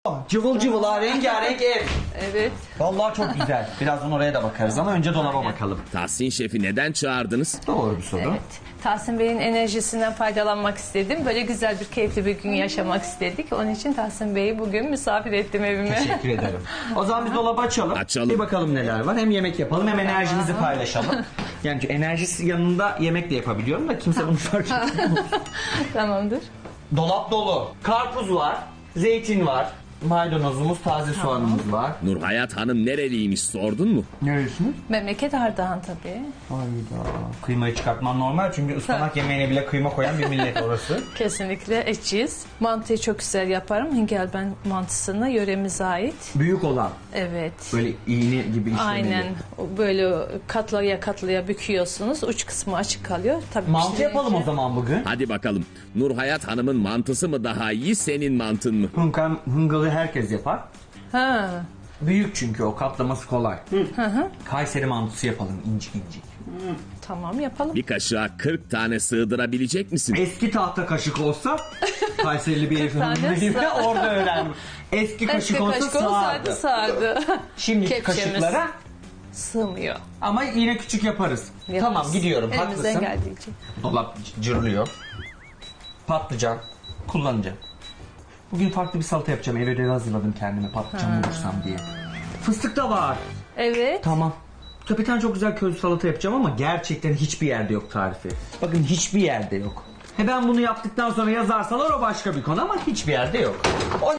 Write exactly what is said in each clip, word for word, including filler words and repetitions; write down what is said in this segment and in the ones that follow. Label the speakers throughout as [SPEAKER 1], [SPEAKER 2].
[SPEAKER 1] Cıvıl cıvıl ha, rengarenk ev.
[SPEAKER 2] Evet.
[SPEAKER 1] Vallahi çok güzel. Birazdan oraya da bakarız ama önce dolaba
[SPEAKER 2] Aynen.
[SPEAKER 1] bakalım.
[SPEAKER 3] Tahsin Şef'i neden çağırdınız?
[SPEAKER 1] Doğru bir soru.
[SPEAKER 2] Evet. Tahsin Bey'in enerjisinden faydalanmak istedim. Böyle güzel bir keyifli bir gün yaşamak istedik. Onun için Tahsin Bey'i bugün misafir ettim evime.
[SPEAKER 1] Teşekkür ederim. O zaman biz dolabı açalım.
[SPEAKER 3] Açalım.
[SPEAKER 1] Bir bakalım neler var. Hem yemek yapalım hem enerjimizi paylaşalım. Yani enerjisi yanında yemek de yapabiliyorum da kimse bunu fark etmiyor.
[SPEAKER 2] Tamamdır.
[SPEAKER 1] Dolap dolu. Karpuz var. Zeytin var. Maydanozumuz, taze soğanımız var.
[SPEAKER 3] Nurhayat Hanım nereliymiş sordun mu?
[SPEAKER 1] Neresiniz?
[SPEAKER 2] Memleket Ardahan tabii.
[SPEAKER 1] Hayda. Kıymayı çıkartman normal çünkü ıspanak yemeğine bile kıyma koyan bir millet orası.
[SPEAKER 2] Kesinlikle etçiyiz. Mantıyı çok güzel yaparım. Hingelben mantısını yöremize ait.
[SPEAKER 1] Büyük olan.
[SPEAKER 2] Evet.
[SPEAKER 1] Böyle iğne gibi işlemeli.
[SPEAKER 2] Aynen. Böyle katlaya katlaya büküyorsunuz. Uç kısmı açık kalıyor. Tabii
[SPEAKER 1] Mantı
[SPEAKER 2] pişirince-
[SPEAKER 1] yapalım o zaman bugün.
[SPEAKER 3] Hadi bakalım. Nurhayat Hanım'ın mantısı mı daha iyi, senin mantın mı?
[SPEAKER 1] Hınkam, hıngalı herkes yapar.
[SPEAKER 2] Ha.
[SPEAKER 1] Büyük çünkü o katlaması kolay. Hı hı. Kayseri mantısı yapalım incik incik.
[SPEAKER 2] Tamam yapalım.
[SPEAKER 3] Bir kaşığa kırk tane sığdırabilecek misin?
[SPEAKER 1] Eski tahta kaşık olsa Kayserili bir
[SPEAKER 2] kırk tane
[SPEAKER 1] hanım değil mi?
[SPEAKER 2] sığ-
[SPEAKER 1] Orada öğrendim. Eski kaşık
[SPEAKER 2] Eski
[SPEAKER 1] olsa
[SPEAKER 2] kaşık
[SPEAKER 1] sığardı.
[SPEAKER 2] olsaydı sığardı.
[SPEAKER 1] Şimdi
[SPEAKER 2] Kepçemiz
[SPEAKER 1] kaşıklara
[SPEAKER 2] sığmıyor.
[SPEAKER 1] ama yine küçük yaparız.
[SPEAKER 2] Yaparız.
[SPEAKER 1] Tamam gidiyorum,
[SPEAKER 2] Elimizden
[SPEAKER 1] haklısın.
[SPEAKER 2] geldiğince.
[SPEAKER 1] Dolap cırlıyor. Patlıcan kullanacağım. Bugün farklı bir salata yapacağım. Eve de hazırladım kendime patlıcan bulursam diye. Fıstık da var.
[SPEAKER 2] Evet.
[SPEAKER 1] Tamam. Ya bir tane çok güzel közlü salata yapacağım ama gerçekten hiçbir yerde yok tarifi. Bakın hiçbir yerde yok. He ben bunu yaptıktan sonra yazarsalar o başka bir konu ama hiçbir yerde yok. O...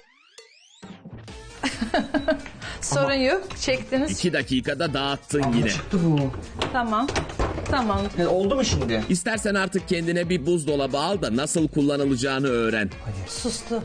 [SPEAKER 2] Sorun yok. Çektiniz.
[SPEAKER 3] İki dakikada dağıttın yine.
[SPEAKER 1] Çıktı bu.
[SPEAKER 2] Tamam. Tamam.
[SPEAKER 1] He, oldu mu şimdi?
[SPEAKER 3] İstersen artık kendine bir buzdolabı al da nasıl kullanılacağını öğren.
[SPEAKER 2] Sustu.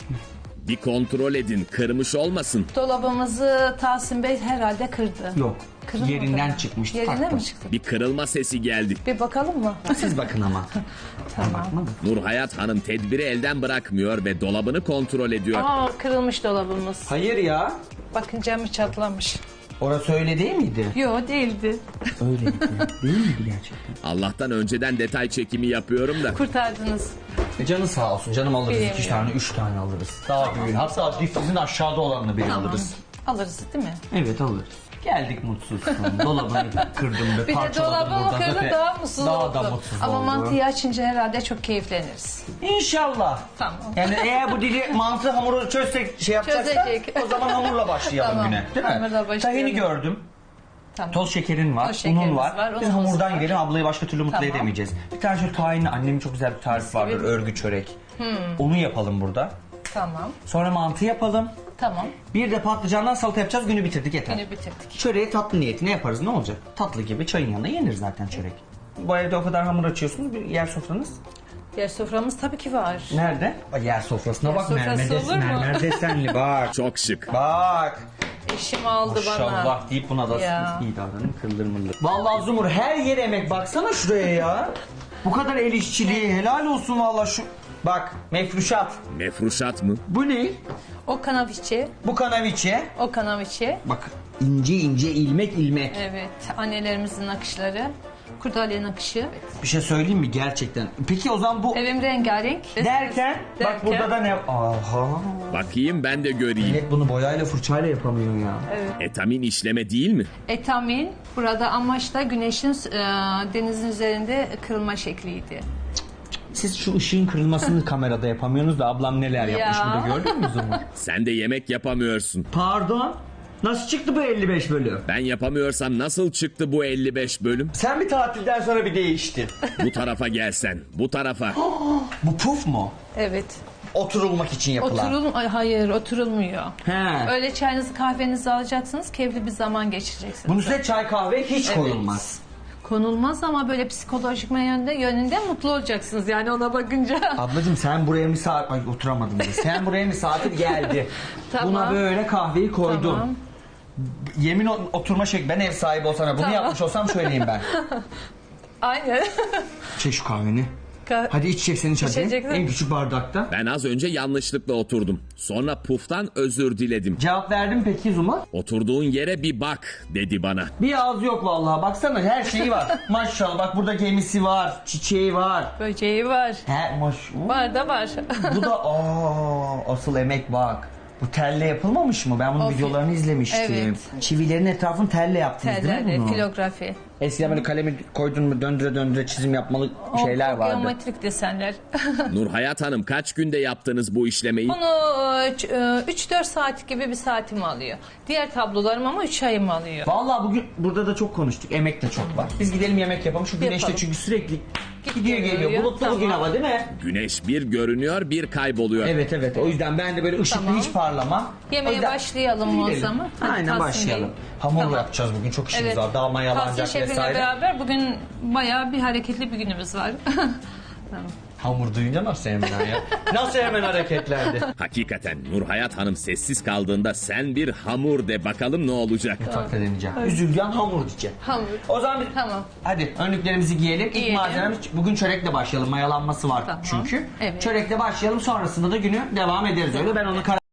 [SPEAKER 3] Bir kontrol edin, kırmış olmasın.
[SPEAKER 2] Dolabımızı Tahsin Bey herhalde kırdı.
[SPEAKER 1] Yok.
[SPEAKER 2] Kırılmadı
[SPEAKER 1] Yerinden
[SPEAKER 2] mı?
[SPEAKER 1] çıkmıştı.
[SPEAKER 2] Yerinden
[SPEAKER 1] taktım.
[SPEAKER 2] mi çıktı?
[SPEAKER 3] Bir kırılma sesi geldi.
[SPEAKER 2] Bir bakalım mı?
[SPEAKER 1] Siz bakın ama.
[SPEAKER 2] Tamam.
[SPEAKER 3] Nurhayat Hanım tedbiri elden bırakmıyor ve dolabını kontrol ediyor.
[SPEAKER 2] Aa, kırılmış dolabımız.
[SPEAKER 1] Hayır ya.
[SPEAKER 2] Bakın camı çatlamış.
[SPEAKER 1] Orası öyle değil miydi?
[SPEAKER 2] Yo değildi.
[SPEAKER 1] Öyleydi. Değil miydi gerçekten?
[SPEAKER 3] Allah'tan önceden detay çekimi yapıyorum da.
[SPEAKER 2] Kurtardınız.
[SPEAKER 1] E canı sağ olsun. Canım alırız.
[SPEAKER 2] Bilemiyorum.
[SPEAKER 1] İki tane, üç tane alırız. Daha büyük. Hatta difrizin aşağıda olanını bile alırız.
[SPEAKER 2] Alırız değil mi?
[SPEAKER 1] Evet alırız. Geldik mutsuz. Dolabını kırdım ve
[SPEAKER 2] Bir de
[SPEAKER 1] parçaladım.
[SPEAKER 2] dolabımı
[SPEAKER 1] buradan.
[SPEAKER 2] kırdı
[SPEAKER 1] Zaten
[SPEAKER 2] daha mutsuz
[SPEAKER 1] daha
[SPEAKER 2] oldu.
[SPEAKER 1] da mutsuz
[SPEAKER 2] Ama
[SPEAKER 1] oldu.
[SPEAKER 2] mantıyı açınca herhalde çok keyifleniriz.
[SPEAKER 1] İnşallah.
[SPEAKER 2] Tamam.
[SPEAKER 1] Yani eğer bu dili mantı hamuru çözsek şey yapacaksak
[SPEAKER 2] Çözecek.
[SPEAKER 1] o zaman hamurla başlayalım
[SPEAKER 2] Tamam,
[SPEAKER 1] güne. Değil mi?
[SPEAKER 2] hamurla başlayalım.
[SPEAKER 1] Tahini gördüm.
[SPEAKER 2] Tamam.
[SPEAKER 1] Toz şekerin var,
[SPEAKER 2] Toz şekerimiz
[SPEAKER 1] unun var.
[SPEAKER 2] var,
[SPEAKER 1] Biz
[SPEAKER 2] unumuz
[SPEAKER 1] hamurdan
[SPEAKER 2] var.
[SPEAKER 1] gidelim, ablayı başka türlü mutlu
[SPEAKER 2] Tamam.
[SPEAKER 1] edemeyeceğiz. Bir tane şöyle tahinli, annemin çok güzel bir tarifi vardır,
[SPEAKER 2] gibi.
[SPEAKER 1] örgü çörek. Onu yapalım burada.
[SPEAKER 2] Tamam.
[SPEAKER 1] Sonra mantı yapalım.
[SPEAKER 2] Tamam.
[SPEAKER 1] Bir de patlıcandan salata yapacağız, günü bitirdik yeter.
[SPEAKER 2] Günü bitirdik.
[SPEAKER 1] Çöreği tatlı niyetine yaparız, ne olacak? Tatlı gibi çayın yanında yenir zaten çörek. Bu evde o kadar hamur açıyorsunuz, bir yer sofranız
[SPEAKER 2] Yer soframız tabii ki var.
[SPEAKER 1] nerede? Ay, yer sofrasına
[SPEAKER 2] Yer
[SPEAKER 1] bak,
[SPEAKER 2] sofrası
[SPEAKER 1] mermer, des,
[SPEAKER 2] olur mu?
[SPEAKER 1] mermer desenli bak.
[SPEAKER 3] Çok şık.
[SPEAKER 1] Bak.
[SPEAKER 2] Eşim aldı bana.
[SPEAKER 1] Maşallah deyip buna da
[SPEAKER 2] Ya.
[SPEAKER 1] iyi davranın, kıldır mıldır. Vallahi Zumur her yer emek, baksana şuraya ya. Bu kadar el işçiliği, helal olsun vallahi şu. Bak mefruşat.
[SPEAKER 3] Mefruşat mı?
[SPEAKER 1] Bu ne?
[SPEAKER 2] O kanaviçe.
[SPEAKER 1] Bu kanaviçe.
[SPEAKER 2] O kanaviçe.
[SPEAKER 1] Bak ince ince ilmek ilmek.
[SPEAKER 2] Evet. Annelerimizin nakışları. Kurdale nakışı.
[SPEAKER 1] Bir şey söyleyeyim mi gerçekten? Peki o zaman bu
[SPEAKER 2] Evim rengarenk.
[SPEAKER 1] derken, bak
[SPEAKER 2] Derken-
[SPEAKER 1] burada da ne? Aha.
[SPEAKER 3] Bakayım ben de göreyim.
[SPEAKER 1] Millet bunu boyayla fırçayla yapamıyor ya.
[SPEAKER 3] Etamin işleme değil mi?
[SPEAKER 2] Etamin burada amaç da güneşin e, denizin üzerinde kırılma şekliydi.
[SPEAKER 1] Siz şu ışığın kırılmasını kamerada yapamıyorsunuz da ablam neler yapmış
[SPEAKER 2] Ya.
[SPEAKER 1] burada gördün mü Zumur?
[SPEAKER 3] Sen de yemek yapamıyorsun.
[SPEAKER 1] Pardon. Nasıl çıktı bu elli beş bölüm?
[SPEAKER 3] Ben yapamıyorsam nasıl çıktı bu elli beş bölüm?
[SPEAKER 1] Sen bir tatilden sonra bir değiştin.
[SPEAKER 3] Bu tarafa gelsen, bu tarafa.
[SPEAKER 1] Bu puf mu?
[SPEAKER 2] Evet.
[SPEAKER 1] Oturulmak için yapılan.
[SPEAKER 2] Oturul Ay, hayır oturulmuyor.
[SPEAKER 1] He.
[SPEAKER 2] Öyle çayınızı kahvenizi alacaksınız. Keyifli bir zaman geçireceksiniz.
[SPEAKER 1] Bunun üstüne çay kahve hiç
[SPEAKER 2] Evet.
[SPEAKER 1] koyulmaz.
[SPEAKER 2] Konulmaz ama böyle psikolojik yönde, yönünde mutlu olacaksınız yani ona bakınca.
[SPEAKER 1] Ablacığım sen buraya misafir... Ay oturamadım bile. Sen buraya misafir geldi.
[SPEAKER 2] Tamam.
[SPEAKER 1] Buna böyle kahveyi koydum.
[SPEAKER 2] Tamam.
[SPEAKER 1] Yemin o- oturma şekli. Ben ev sahibi olsam bunu
[SPEAKER 2] Tamam.
[SPEAKER 1] yapmış olsam söyleyeyim ben.
[SPEAKER 2] Aynen.
[SPEAKER 1] Çek şu kahveni.
[SPEAKER 2] Ka-
[SPEAKER 1] Hadi içeceksen iç hadi.
[SPEAKER 2] İçeceksin.
[SPEAKER 1] En küçük bardakta.
[SPEAKER 3] Ben az önce yanlışlıkla oturdum. Sonra puftan özür diledim.
[SPEAKER 1] Cevap verdim peki Zuma?
[SPEAKER 3] Oturduğun yere bir bak dedi bana.
[SPEAKER 1] Bir ağız yok vallahi. Baksana her şeyi var. Maşallah bak burada gemisi var. Çiçeği var.
[SPEAKER 2] Böceği var.
[SPEAKER 1] He maş.
[SPEAKER 2] Var da var.
[SPEAKER 1] Bu da aa asıl emek bak. Bu telle yapılmamış mı? Ben bunun
[SPEAKER 2] O fi-
[SPEAKER 1] videolarını izlemiştim.
[SPEAKER 2] Evet.
[SPEAKER 1] Çivilerin etrafını telle yaptınız değil mi
[SPEAKER 2] Tellerle,
[SPEAKER 1] bunu?
[SPEAKER 2] filografi.
[SPEAKER 1] Eskiden böyle kalemi koydun mu döndüre döndüre çizim yapmalı şeyler
[SPEAKER 2] O,
[SPEAKER 1] vardı.
[SPEAKER 2] Geometrik desenler.
[SPEAKER 3] Nurhayat Hanım kaç günde yaptınız bu işlemeyi?
[SPEAKER 2] Bunu üç dört saat gibi bir saatimi alıyor. Diğer tablolarım ama üç ayımı alıyor.
[SPEAKER 1] Vallahi bugün burada da çok konuştuk. Emek de çok var. Biz gidelim yemek yapalım. Şu güneşte
[SPEAKER 2] Yapalım.
[SPEAKER 1] çünkü sürekli gidiyor
[SPEAKER 2] geliyor.
[SPEAKER 1] geliyor. Bulutlu
[SPEAKER 2] Tamam.
[SPEAKER 1] bugün hava değil mi?
[SPEAKER 3] Güneş bir görünüyor bir kayboluyor.
[SPEAKER 1] Evet evet. O yüzden ben de böyle ışıklı
[SPEAKER 2] Tamam.
[SPEAKER 1] hiç parlamam.
[SPEAKER 2] Yemeğe
[SPEAKER 1] O yüzden-
[SPEAKER 2] başlayalım o
[SPEAKER 1] Gidelim.
[SPEAKER 2] zaman. Hadi
[SPEAKER 1] Aynen
[SPEAKER 2] Tahsin
[SPEAKER 1] başlayalım.
[SPEAKER 2] Bey.
[SPEAKER 1] Hamur
[SPEAKER 2] Tamam.
[SPEAKER 1] yapacağız bugün. Çok işimiz
[SPEAKER 2] Evet.
[SPEAKER 1] var. Daha
[SPEAKER 2] Tahsin
[SPEAKER 1] mayalanacak
[SPEAKER 2] şefimle
[SPEAKER 1] vesaire.
[SPEAKER 2] beraber bugün bayağı bir hareketli bir günümüz var. Tamam.
[SPEAKER 1] Hamur duyunca nasıl hemen ya? Nasıl hemen hareketlendi?
[SPEAKER 3] Hakikaten Nurhayat Hanım sessiz kaldığında sen bir hamur de bakalım ne olacak.
[SPEAKER 1] Mutfakta deneyeceğim. Üzülgen hamur diyeceğim.
[SPEAKER 2] Hamur.
[SPEAKER 1] O zaman biz-
[SPEAKER 2] Tamam.
[SPEAKER 1] hadi önlüklerimizi giyelim. İlk
[SPEAKER 2] Giyelim.
[SPEAKER 1] malzememiz bugün çörekle başlayalım. Mayalanması var
[SPEAKER 2] Tamam.
[SPEAKER 1] çünkü.
[SPEAKER 2] Evet.
[SPEAKER 1] Çörekle başlayalım. Sonrasında da günü devam ederiz öyle. Ben onu karar